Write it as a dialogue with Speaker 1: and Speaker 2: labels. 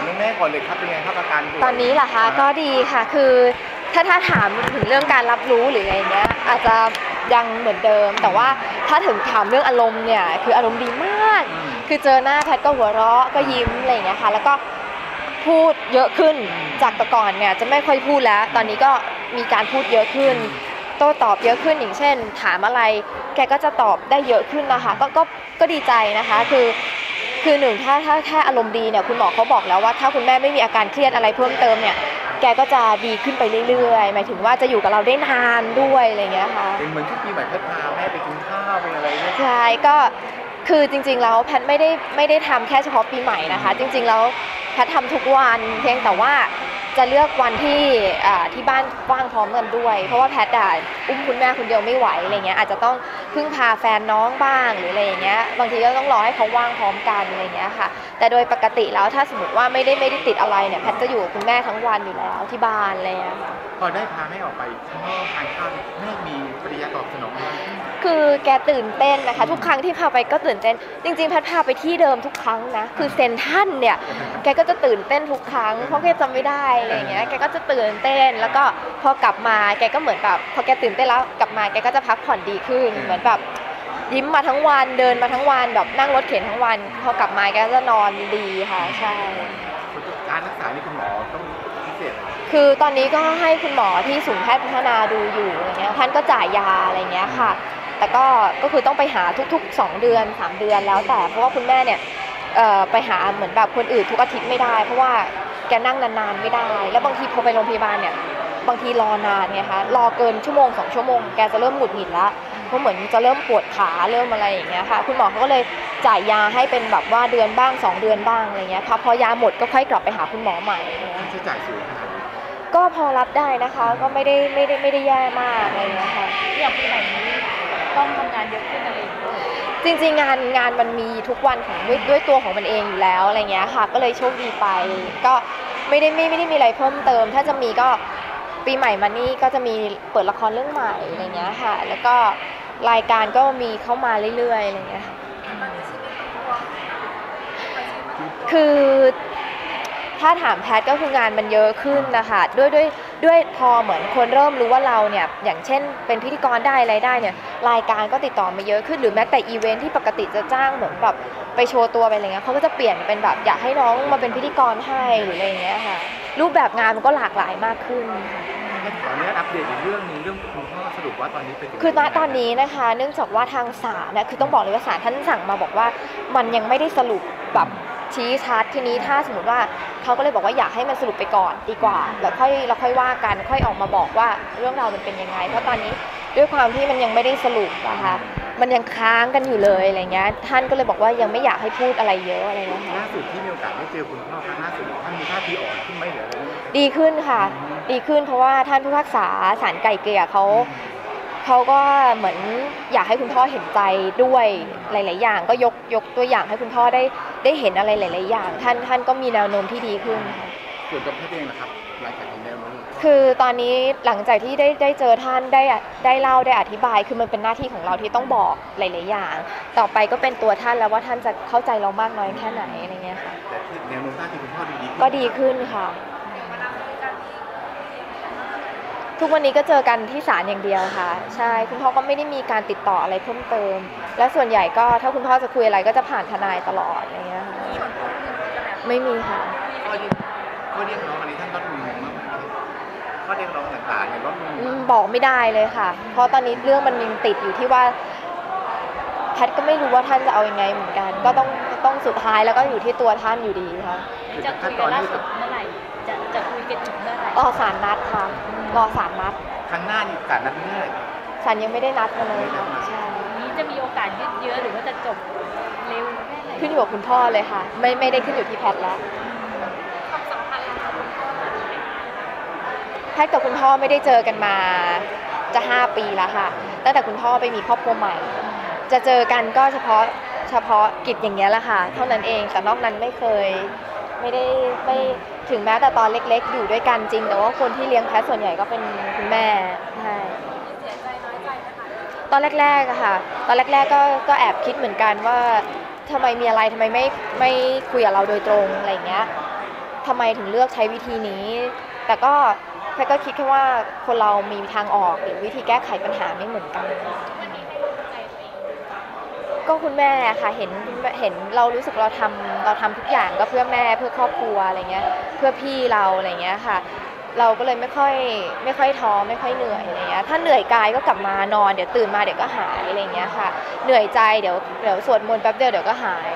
Speaker 1: เรื่องแม่ก่อนเลยครับเป็นไงครับอาการ
Speaker 2: ตอนนี้เหรอคะก็ดีค่ะคือถ้าถามถึงเรื่องการรับรู้หรืออะไรเงี้ยอาจจะยังเหมือนเดิมแต่ว่าถ้าถึงถามเรื่องอารมณ์เนี่ยคืออารมณ์ดีมากคือเจอหน้าแพทก็หัวเราะก็ยิ้มอะไรเงี้ยค่ะแล้วก็พูดเยอะขึ้นจากแต่ก่อนเนี่ยจะไม่ค่อยพูดแล้วตอนนี้ก็มีการพูดเยอะขึ้นโต้ตอบเยอะขึ้นอย่างเช่นถามอะไรแกก็จะตอบได้เยอะขึ้นนะคะก็ดีใจนะคะคือหนึ่งถ้าแค่อารมณ์ดีเนี่ยคุณหมอเขาบอกแล้วว่าถ้าคุณแม่ไม่มีอาการเครียดอะไรเพิ่มเติมเนี่ยแกก็จะดีขึ้นไปเรื่อยๆหมายถึงว่าจะอยู่กับเราได้นานด้วยอะไรเงี้ยค่ะ
Speaker 1: เป็นเหมือนที่ปีใหม่แพทพาแม่ไปกินข้าวไปอะไรเนี่ย
Speaker 2: ใช่ก็คือจริงๆแล้วแพทไม่ได้ทำแค่เฉพาะปีใหม่นะคะจริงๆแล้วแพททำทุกวันเพียงแต่ว่าจะเลือกวันที่บ้านว่างพร้อมกันด้วยเพราะว่าแพทอุ้มคุณแม่คนเดียวไม่ไหวอะไรเงี้ยอาจจะต้องพึ่งพาแฟนน้องบ้างหรืออะไรอย่างเงี้ยบางทีก็ต้องรอให้เขาว่างพร้อมกันอะไรเงี้ยค่ะแต่โดยปกติแล้วถ้าสมมติว่าไม่ได้ติดอะไรเนี่ยแพทจะอยู่กับคุณแม่ทั้งวันอยู่แล้วที่บ้านอะไรเงี้ยค่ะ
Speaker 1: พอได้พาแม่ออกไปข้างนอกทานข้าวแม่มีปฏิกิริยาตอบสนองไหม
Speaker 2: คือแกตื่นเต้นนะคะทุกครั้งที่พาไปก็ตื่นเต้นจริงๆแพทพาไปที่เดิมทุกครั้งนะคือเซนทรัลเนี่ยแกก็จะตื่นเต้นทุกครั้งเพราะแกจำไม่ได้อะไรเงี้ยแกก็จะตื่นเต้นแล้วก็พอกลับมาแกก็เหมือนแบบพอแกตื่นเต้นแล้วกลับมาแกก็จะพักผ่อนดีขึ้นเหมือนแบบยิ้มมาทั้งวันเดินมาทั้งวันแบบนั่งรถเข็นทั้งวันพอกลับมาแกก็จะนอนดีค่ะใช่
Speaker 1: การรักษานี่คุณหมอต้องพิเศษ
Speaker 2: คือตอนนี้ก็ให้คุณหมอที่ศูนย์แพทย์พัฒนาดูอยู่อะไรเงี้ยท่านก็จ่ายยาอะไรเงี้ยค่ะแต่ก็คือต้องไปหาทุกๆ2 เดือน3 เดือนแล้วแต่เพราะว่าคุณแม่เนี่ยไปหาเหมือนแบบคนอื่นทุกอาทิตย์ไม่ได้เพราะว่าแกนั่งนานๆไม่ได้แล้วบางทีพอไปโรงพยาบาลเนี่ยบางทีรอนานไงคะรอเกิน1 ชั่วโมง 2 ชั่วโมงแกจะเริ่มหงุดหงิดแล้วเพราะเหมือนจะเริ่มปวดขาเริ่มอะไรอย่างเงี้ยค่ะคุณหมอเขาก็เลยจ่ายยาให้เป็นแบบว่าเดือนบ้าง2 เดือนบ้างอะไรเงี้ยค่ะพอยาหมดก็ค่อยกลับไปหาคุณหมอใหม่
Speaker 1: ใช้จ่ายสูงขนาดนี้
Speaker 2: ก็พอรับได้นะคะก็ไม่ได้แย่มากอะไรเงี้ยค่ะ
Speaker 3: อย่างปีใหม่นี้ต้องทำงานเยอะขึ้นอะไร
Speaker 2: จริงๆงานมันมีทุกวันของด้วยตัวของมันเองอยู่แล้วอะไรเงี้ยค่ะก็เลยโชคดีไปก็ไม่ได้มีอะไรเพิ่มเติมถ้าจะมีก็ปีใหม่มานี่ก็จะมีเปิดละครเรื่องใหม่อะไรเงี้ยค่ะแล้วก็รายการก็มีเข้ามาเรื่อยๆอะไรเงี้ยคือถ้าถามแพทก็คืองานมันเยอะขึ้นนะคะด้วยพอเหมือนคนเริ่มรู้ว่าเราเนี่ยอย่างเช่นเป็นพิธีกรได้อะไรได้เนี่ยรายการก็ติดต่อมาเยอะขึ้นหรือแม้แต่อีเวนท์ที่ปกติจะจ้างเหมือนแบบไปโชว์ตัวไปอะไรเงี้ยเขาก็จะเปลี่ยนเป็นแบบอยากให้น้องมาเป็นพิธีกรให้หรืออะไรเงี้ยค่ะรูปแบบงานมันก็หลากหลายมากขึ้น
Speaker 1: ตอนนี้อัปเดตอีกเรื่องนึงเรื่องคุณพ่อสรุปว่าตอนนี้เป็น
Speaker 2: คือณตอนนี้นะคะเนื่องจากว่าทางศาลนะคือต้องบอกเลยว่าศาลท่านสั่งมาบอกว่ามันยังไม่ได้สรุปแบบชี้ชัดทีนี้ถ้าสมมติว่าเขาก็เลยบอกว่าอยากให้มันสรุปไปก่อนดีกว่าแล้วค่อยว่ากันค่อยออกมาบอกว่าเรื่องราวมันเป็นยังไงเพราะตอนนี้ด้วยความที่มันยังไม่ได้สรุปนะคะมันยังค้างกันอยู่เลยอะไรเงี้ยท่านก็เลยบอกว่ายังไม่อยากให้พูดอะไรเยอะอะไรเงี้ยค่ะ
Speaker 1: ล่าสุดที่มีโอกาสได้เจอคุณพ่อครั้งล่าสุดท่านมีท่าทีอ่อนขึ้นไหมหรืออะไร
Speaker 2: ดีขึ้นค่ะดีขึ้นเพราะว่าท่านผู้พิพากษาศาลไกล่เกลี่ยเขาก็เหมือนอยากให้คุณพ่อเห็นใจด้วยหลายๆอย่างก็ยกตัวอย่างให้คุณพ่อได้เห็นอะไรหลายๆอย่างท่านก็มีแนวโน้มที่ดีขึ้นค่ะ
Speaker 1: ส่วนตัวพี่เองนะครับหลังจากที่แนวโน้ม
Speaker 2: คือตอนนี้หลังจากที่ได้เจอท่านได้เล่าได้อธิบายคือมันเป็นหน้าที่ของเราที่ต้องบอกหลายๆอย่างต่อไปก็เป็นตัวท่านแล้วว่าท่านจะเข้าใจเรามากน้อยแค่ไหนอะไรเงี้ยค่ะ
Speaker 1: แต่ที่แนวโน้มท่าทีคุณพ่อดี
Speaker 2: ก็ดีขึ้นค่ะทุกวันนี้ก็เจอกันที่ศาลอย่างเดียวค่ะใช่คุณพ่อก็ไม่ได้มีการติดต่ออะไรเพิ่มเติมและส่วนใหญ่ก็ถ้าคุณพ่อจะคุยอะไรก็จะผ่านทนายตลอดอะไรเงี้ยค่ะไม่มีค่ะ
Speaker 1: ข้อเรียกร้องอะไรท่านลดลงมากข้อเรียกร้องต่างๆเนี่ยลดลง
Speaker 2: บอกไม่ได้เลยค่ะเพราะตอนนี้เรื่องมันยังติดอยู่ที่ว่าแพทย์ก็ไม่รู้ว่าท่านจะเอายังไงเหมือนกันก็ต้องสุดท้ายแล้วก็อยู่ที่ตัวท่านอยู่ดีค่ะ
Speaker 3: จะคุยกันล่าสุดเมื่อไหร่จะคุยกันถึงเมื่อไหร่
Speaker 2: รอศาลนัดค่ะรอศาลนัด
Speaker 1: ครั้งหน้านี่ศาลนัดเมื่อไหร่
Speaker 2: ศาลยังไม่ได้นัดมาเลยใช่
Speaker 3: นี้จะมีโอกาสยืดเยื้อหรือว่าจะจบเร็วแค่ไหน
Speaker 2: ขึ้นอยู่กับคุณพ่อเลยค่ะไม่ได้ขึ้นอยู่ที่แพทย์แล้ว
Speaker 3: ความสัมพันธ์
Speaker 2: แพทย์กับคุณพ่อไม่ได้เจอกันมาจะ5 ปีแล้วค่ะตั้งแต่คุณพ่อไปมีครอบครัวใหม่จะเจอกันก็เฉพาะกิจอย่างเงี้ยแหละค่ะเท่านั้นเองแต่นอกนั้นไม่เคยไม่ถึงแม้แต่ตอนเล็กๆอยู่ด้วยกันจริงแต่ว่าคนที่เลี้ยงแพทส่วนใหญ่ก็เป็นคุณแม่ใช่ตอนแรกๆอะค่ะตอนแรกๆก็แอบคิดเหมือนกันว่าทำไมมีอะไรทำไมไม่คุยกับเราโดยตรงอะไรเงี้ยทำไมถึงเลือกใช้วิธีนี้ แต่ก็แพทย์ก็คิดแค่ว่าคนเรามีทางออกหรือวิธีแก้ไขปัญหาไม่เหมือนกันก็คุณแม่ค่ะเห็นเรารู้สึกเราทำทุกอย่างก็เพื่อแม่เพื่อครอบครัวอะไรเงี้ยเพื่อพี่เราอะไรเงี้ยค่ะเราก็เลยไม่ค่อยท้อไม่ค่อยเหนื่อยอะไรเงี้ยถ้าเหนื่อยกายก็กลับมานอนเดี๋ยวตื่นมาเดี๋ยวก็หายอะไรเงี้ยค่ะเหนื่อยใจเดี๋ยวสวดมนต์แป๊บเดียวเดี๋ยวก็หาย